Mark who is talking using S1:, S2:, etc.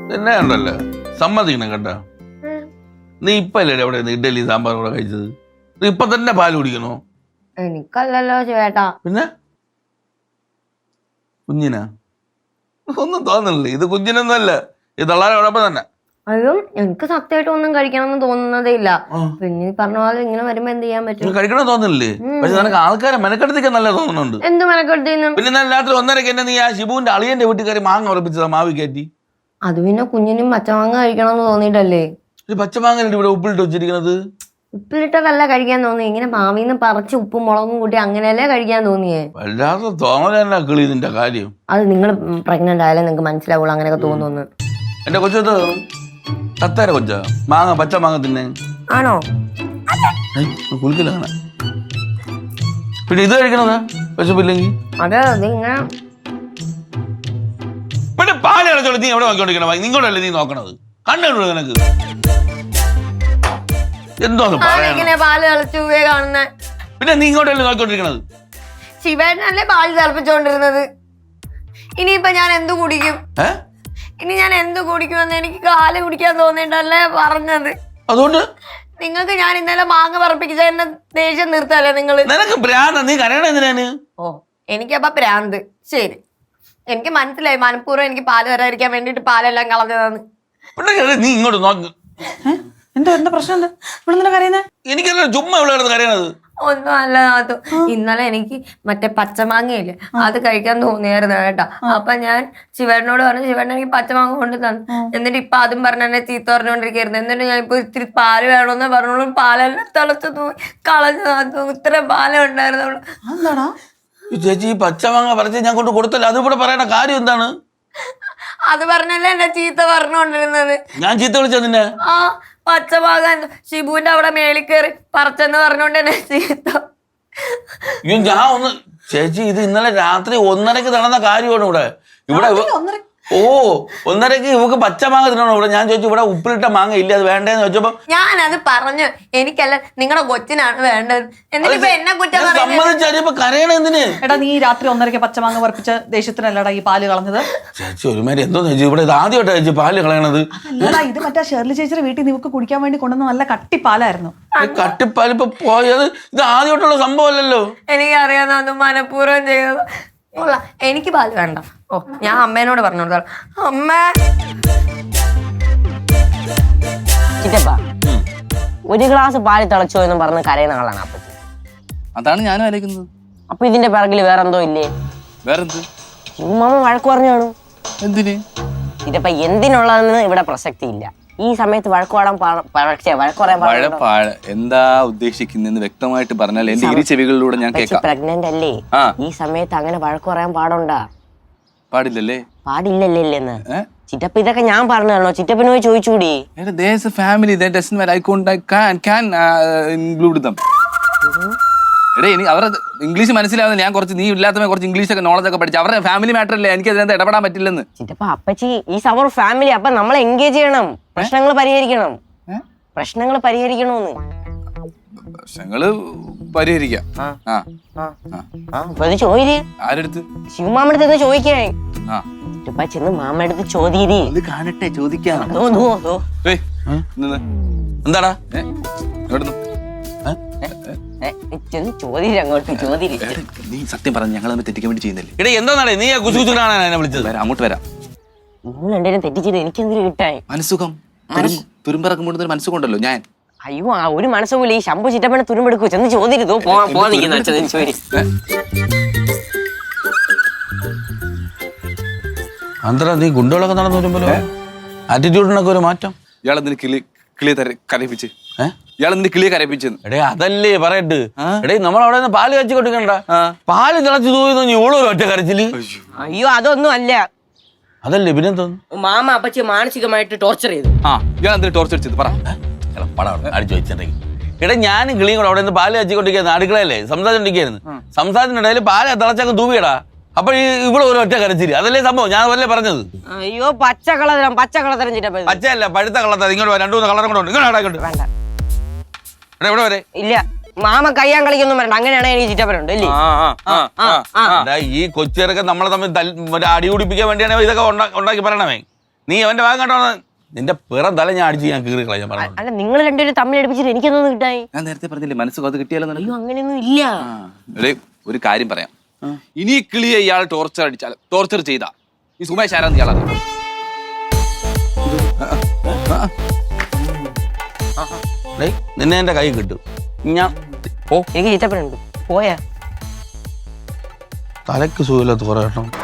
S1: എന്നെ ഉണ്ടല്ലോ സമ്മതിക്കണം കേട്ടോ. നീ ഇപ്പല്ലേ എവിടെ ഇഡ്ഡലി സാമ്പാർ കൂടെ കഴിച്ചത്? നീ ഇപ്പൊ തന്നെ പാല് കുടിക്കണോ?
S2: എനിക്കല്ലല്ലോ ചേട്ടാ.
S1: പിന്നെ കുഞ്ഞിനാ? ഒന്നും തോന്നണില്ലേ? ഇത് കുഞ്ഞിനൊന്നുമല്ല, ഇത് തള്ളാരോടൊപ്പം തന്നെ.
S2: അയ്യോ എനിക്ക് സത്യമായിട്ട് ഒന്നും കഴിക്കണമെന്ന് തോന്നുന്നതേ ഇല്ല. പിന്നെ പറഞ്ഞ പോലെ ഇങ്ങനെ വരുമ്പോ എന്ത് ചെയ്യാൻ പറ്റും?
S1: കഴിക്കണം തോന്നില്ലേ? പക്ഷെ നിനക്ക് ആൾക്കാരെ മെനക്കെടുത്തേക്ക് നല്ല തോന്നുന്നുണ്ട്.
S2: എന്ത് മെനക്കെടുത്തേന്ന്?
S1: പിന്നെ ഇന്നലെ രാത്രി 1:30 എന്നെ നീ ആ ഷിബുവിന്റെ അളിയന്റെ വീട്ടിൽ കയറി മാങ്ങ ഉറപ്പിച്ചതാ മാവി കയറ്റി.
S2: അത് പിന്നെ കുഞ്ഞിനും പച്ചമാങ്ങ കഴിക്കണമെന്ന് തോന്നിയിട്ടല്ലേ?
S1: ഒരു പച്ചമാങ്ങ ഇവിടെ ഉപ്പിലിട്ട് വെച്ചിരിക്കണത്.
S2: ഉപ്പിലിട്ടതല്ല കഴിക്കാൻ തോന്നി, ഇങ്ങനെ മാവിന്ന് പറിച്ച് ഉപ്പും മുളകും കൂട്ടി അങ്ങനെയല്ലേ കഴിക്കാൻ തോന്നിയേ.
S1: വല്ലാതെ തോന്നല കിളി നിന്റെ കാര്യം.
S2: അത് നിങ്ങൾ പ്രഗ്നന്റ് ആയാലേ നിങ്ങൾക്ക് മനസ്സിലാവുള്ളൂ അങ്ങനെയൊക്കെ തോന്നുന്നു.
S1: എന്റെ കൊച്ചത് തത്തേര കൊച്ച മാങ്ങ പച്ച മാങ്ങ തിന്നെ
S2: ആണോ?
S1: കുളിക്കില്ല അങ്ങനെ. പിന്നെ ഇത് കഴിക്കണതാ വിശപ്പില്ലെങ്കിൽ.
S2: അതെ ഇങ്ങനെ
S1: പിന്നെ പാല് കളച്ചോളൂ. നീ എവിടെ നോക്കിക്കൊണ്ടിരിക്കണ? നിങ്ങളല്ലേ നീ നോക്കണത്? കണ്ടു നിനക്ക് എന്തോന്ന് പറയാ?
S2: പാല് തിളച്ചു കാണുന്ന
S1: പിന്നെ നീ ഇങ്ങോട്ടല്ലേ നോക്കിക്കൊണ്ടിരിക്കണത്?
S2: ശിവേട്ടനല്ലേ പാല് തിളപ്പിച്ചോണ്ടിരുന്നത്. ഇനിയിപ്പൊ ഞാൻ എന്ത് കുടിക്കും? ഇനി ഞാൻ എന്ത് കുടിക്കുമെന്ന് എനിക്ക് കാല് കുടിക്കാൻ തോന്നിയിട്ടല്ലേ പറഞ്ഞത്.
S1: അതുകൊണ്ട്
S2: നിങ്ങൾക്ക് ഞാൻ ഇന്നലെ മാങ്ങ പറപ്പിച്ച എന്നെ ദേഷ്യം നിർത്തല്ലേ നിങ്ങള്?
S1: നിനക്ക് ഭ്രാന്ത്. നീ കരയണ എന്തിനാണ്?
S2: ഓ എനിക്കപ്പ ഭ്രാന്ത്. ശരി, എനിക്ക് മനസ്സിലായി. മനഃപൂർവ്വം എനിക്ക് പാല് വരാതിരിക്കാൻ വേണ്ടിട്ട് പാലെല്ലാം കളഞ്ഞതാണ്.
S1: നീ ഇങ്ങോട്ട് നോക്ക്.
S3: എന്താ പ്രശ്നം? എന്താ ഇവിടെ കരയുന്നേ?
S1: എനിക്കല്ല ചുമ്മാ ഇവിടെ കിടന്ന് കരയണത്.
S2: ഒന്നും അല്ല അത്. ഇന്നലെ എനിക്ക് മറ്റേ പച്ചമാങ്ങയില്ലേ അത് കഴിക്കാൻ തോന്നിയായിരുന്നു കേട്ടാ. അപ്പൊ ഞാൻ ശിവേട്ടനോട് പറഞ്ഞു, ശിവേട്ടൻ എനിക്ക് പച്ചമാങ്ങ കൊണ്ട് തന്നു. എന്നിട്ട് ഇപ്പൊ അതും പറഞ്ഞ എന്നെ ചീത്ത പറഞ്ഞുകൊണ്ടിരിക്കുന്നു. എന്നിട്ട് ഞാൻ ഇപ്പൊ ഇത്തിരി പാല് വേണമെന്ന് പറഞ്ഞോളൂ, പാലെല്ലാം തിളച്ചു കളഞ്ഞു. ഇത്ര പാലേ ഉണ്ടായിരുന്നുള്ളൂ.
S3: എന്താടാ
S1: ചേച്ചി ഈ പച്ചമാങ്ങ പറിച്ച് ഞാൻ കൊണ്ട് കൊടുത്തല്ലോ, അത് ഇവിടെ പറയണ കാര്യം എന്താണ്?
S2: അത് പറഞ്ഞല്ലേ എന്നെ ചീത്ത പറഞ്ഞുകൊണ്ടിരുന്നത്.
S1: ഞാൻ ചീത്ത വിളിച്ചതിന്റെ
S2: ആ പച്ചമാങ്ങ ഷിബുവിന്റെ അവിടെ മേളിൽ കയറി പറിച്ചെന്ന് പറഞ്ഞോണ്ട് തന്നെ ചീത്ത.
S1: ഞാൻ ഒന്ന് ചേച്ചി ഇത് ഇന്നലെ രാത്രി 1:30 നടന്ന കാര്യമാണ് ഇവിടെ. ഇവിടെ 1:30 ഇവക്ക് പച്ചമാങ്ങ തിന്നണോ ഇവിടെ? ഞാൻ ചോദിച്ചു ഇവിടെ ഉപ്പിലിട്ട മാങ്ങ ഇല്ല, അത് വേണ്ടേന്ന് ചോദിച്ചപ്പോ
S2: ഞാനത് പറഞ്ഞു. എനിക്കല്ല നിങ്ങളുടെ കൊച്ചിനാണ് വേണ്ടത്. എന്നിട്ട് എന്നെ കുറ്റം
S1: സമ്മതിച്ചപ്പോ കരയണ എന്തിന്?
S3: എടാ നീ രാത്രി 1:30 പച്ചമാങ്ങ പറപ്പിച്ച ദേഷ്യത്തിനല്ലടാ ഈ പാല് കളഞ്ഞത്.
S1: ചേച്ചി ഒരുമാതിരി എന്തോന്ന് ചേച്ചി ഇവിടെ ഇത് ആദ്യമായിട്ടാ ചേച്ചി പാല് കളയണത്.
S3: അല്ലടാ ഇത് മറ്റേ ഷേർലി ചേച്ചിയുടെ വീട്ടിൽ നിനക്ക് കുടിക്കാൻ വേണ്ടി കൊണ്ടുവന്ന നല്ല കട്ടിപ്പാലായിരുന്നു.
S1: കട്ടിപ്പാൽ ഇപ്പൊ പോയത് ഇത് ആദ്യമായിട്ടുള്ള സംഭവമല്ലല്ലോ.
S2: എനിക്കറിയാം അത് മനഃപൂർവ്വം ചെയ്തത്. എനിക്ക് പാല് വേണ്ട. ഓ ഞാൻ അമ്മേനോട് പറഞ്ഞു കൊടുത്താൽ അമ്മ
S4: ചിറ്റപ്പ ഒരു ഗ്ലാസ് പാല് തിളച്ചോ എന്ന് പറഞ്ഞ് കരയുന്ന ആളാണ് അപ്പച്ചി.
S5: അതാണ് ഞാനും ആലോചിക്കുന്നത്.
S4: അപ്പൊ ഇതിന്റെ പിറകിൽ വേറെന്തോ ഇല്ലേ?
S5: വേറെന്ത്?
S4: മാമ വഴക്ക് പറഞ്ഞു കാണും.
S5: എന്തിന്?
S4: ചിറ്റപ്പ എന്തിനുള്ളതെന്ന് ഇവിടെ പ്രസക്തി ഇല്ല. ഈ സമയത്ത് വഴക്ക്
S5: പറയാൻ എന്താ ഉദ്ദേശിക്കുന്നെന്ന് വ്യക്തമായിട്ട് പറഞ്ഞാൽ എന്റെ ഇരു ചെവികളിലൂടെ ഞാൻ കേൾക്കാം.
S4: പ്രഗ്നന്റ് അല്ലേ? ഈ സമയത്ത് അങ്ങനെ വഴക്ക് പറയാൻ പാടുണ്ടാ?
S5: പാടില്ലല്ലേ?
S4: പാടില്ലല്ലേന്ന് ചിറ്റപ്പ ഇതൊക്കെ ഞാൻ പറഞ്ഞു തരണോ? ചിറ്റപ്പന് പോയി ചോദിച്ചൂടി.
S5: ഫാമിലി അവരുടെ ഇംഗ്ലീഷ് മനസ്സിലാവുന്ന ഞാൻ കുറച്ച് നീ ഇല്ലാത്ത കുറച്ച് ഇംഗ്ലീഷ് ഒക്കെ നോളജ് ഒക്കെ പഠിച്ചു. അവരുടെ ഫാമിലി മാറ്റർ അല്ലേ, എനിക്ക് അതിനകത്ത് ഇടപെടാൻ പറ്റില്ലെന്ന്.
S4: ചിറ്റപ്പ അപ്പച്ചി ഈ സവർ ഫാമിലി, അപ്പൊ നമ്മളെ എൻഗേജ് ചെയ്യണം. പ്രശ്നങ്ങൾ പരിഹരിക്കണം. പ്രശ്നങ്ങൾ പരിഹരിക്കണോന്ന്.
S5: പ്രശ്നങ്ങള് പരിഹരിക്കാം.
S4: ചോദിര്.
S5: ആരെടുത്ത്?
S4: ശിവമാമടുത്ത് ചോദിക്കേ. ചിറ്റപ്പ ചെന്ന് മാമടുത്ത് ചോദ്യരി.
S5: കാണട്ടെ, ചോദിക്കാം.
S1: എന്താടാ
S5: നീ സത്യം പറഞ്ഞു ഞങ്ങൾ തെറ്റിക്കാൻ വേണ്ടി ചെയ്യുന്നില്ലേ?
S1: ഇടേ എന്താ നീ കുസുകുസുനാണ് എന്നെ വിളിച്ചത്?
S5: അങ്ങോട്ട് വരാം.
S4: നിങ്ങൾ രണ്ടുപേരും തെറ്റിച്ചിട്ട് എനിക്ക് എന്തിനു കിട്ടാൻ?
S5: മനസ്സുഖം തുരുമ്പിറക്കം കൊണ്ടുവന്ന മനസ്സുകൊണ്ടല്ലോ ഞാൻ.
S4: അയ്യോ ആ ഒരു മനസ്സുകൂലി ഈ ശംഭു ചിറ്റപ്പനെ തുരുമ്പെടുക്കൂ. ചെന്ന് ചോദിരുതോ
S1: അന്തര നീ ഗുണ്ടകളൊക്കെ നടന്നു വരുമ്പോ ആറ്റിറ്റ്യൂഡിനൊക്കെ ഒരു മാറ്റം.
S5: ഇയാളെന്തിന് കിളിയെ കരയിപ്പിച്ച്? ഇയാളെന്തിന് കിളിയെ കരയിപ്പിച്ചെന്ന്?
S1: എടേ അതല്ലേ പറയട്ട്. എടേ നമ്മളവിടെ നിന്ന് പാല് കച്ചി കൊടുക്കണ്ട, പാല് തിളച്ചു തൂങ്ങി ഇവളൊരു ഒറ്റ കരച്ചില്.
S4: അയ്യോ അതൊന്നും അല്ല.
S1: അതല്ലേ പിന്നെ തോന്നുന്നു
S4: മാമ അപ്പച്ചി മാനസികമായിട്ട് ടോർച്ചർ ചെയ്തു.
S5: ഇയാളെന്തിന് ടോർച്ചർ ചെയ്ത് പറ.
S1: അടിച്ചു വെച്ചിട്ടുണ്ടെങ്കിൽ ഇടേ ഞാനും കിളിയും കൂടെ അവിടെ നിന്ന് പാല് കച്ചിക്കൊണ്ടിരിക്കുന്നു. അടുക്കളയല്ലേ സംസാരിച്ചോണ്ടിരിക്കുന്നു. സംസാരത്തിനിടയിൽ പാല് തിളച്ചങ്ങ് തൂവിയടാ. അപ്പൊ ഇവിടെ ഒരു ഒറ്റ കരച്ചില്. അതല്ലേ സംഭവം, ഞാൻ അതല്ലേ പറഞ്ഞത്.
S4: അയ്യോ പച്ചക്കളതരം ചിറ്റപ്പ.
S1: പച്ചയല്ല പഴുത്ത കളത്തരം. ഇങ്ങോട്ട് 2-3 കളറും കൂടെ ഉണ്ട്. ഇങ്ങോട്ട്
S4: വേണ്ട
S1: ഇവിടെ വരെ
S4: ഇല്ല. മാമ കയ്യാൻ കളിക്കൊന്നും വേണ്ട. അങ്ങനെയാണ് എനിക്ക് ചിറ്റപ്പനുണ്ട് അല്ലേ?
S1: ഈ കൊച്ചിറക്കെ നമ്മളെ തമ്മിൽ അടി കുടിപ്പിക്കാൻ വേണ്ടിയാണ് ഇതൊക്കെ ഉണ്ടാക്കി പറയണമേ. നീ അവന്റെ ഭാഗം കേട്ടോ നിന്റെ പിറം തല ഞാൻ അടിച്ച് ഞാൻ കീറി കളയാൻ പറഞ്ഞു
S4: അല്ല നിങ്ങൾ രണ്ടുപേരും തമ്മിൽ അടുപ്പിച്ചിട്ട് എനിക്കൊന്നും കിട്ടായി.
S5: ഞാൻ നേരത്തെ പറഞ്ഞില്ലേ മനസ്സ് അത് കിട്ടിയാലോ
S4: അയ്യോ അങ്ങനെയൊന്നും ഇല്ല.
S5: ഒരു കാര്യം പറയാം. ഇനി ഈ കിളിയെ ഇയാൾ ടോർച്ചർ ചെയ്ത ഈ സുമേഷ് ആരാന്ന് ഇയാൾ അറിയാം.
S1: നിന്നെ എന്റെ കൈ കിട്ടും ഞാൻ
S4: എനിക്ക് ചീത്തപ്പനുണ്ട് പോയാ
S1: തലക്ക് സുഖമില്ലാത്ത കുറെ കേട്ടോ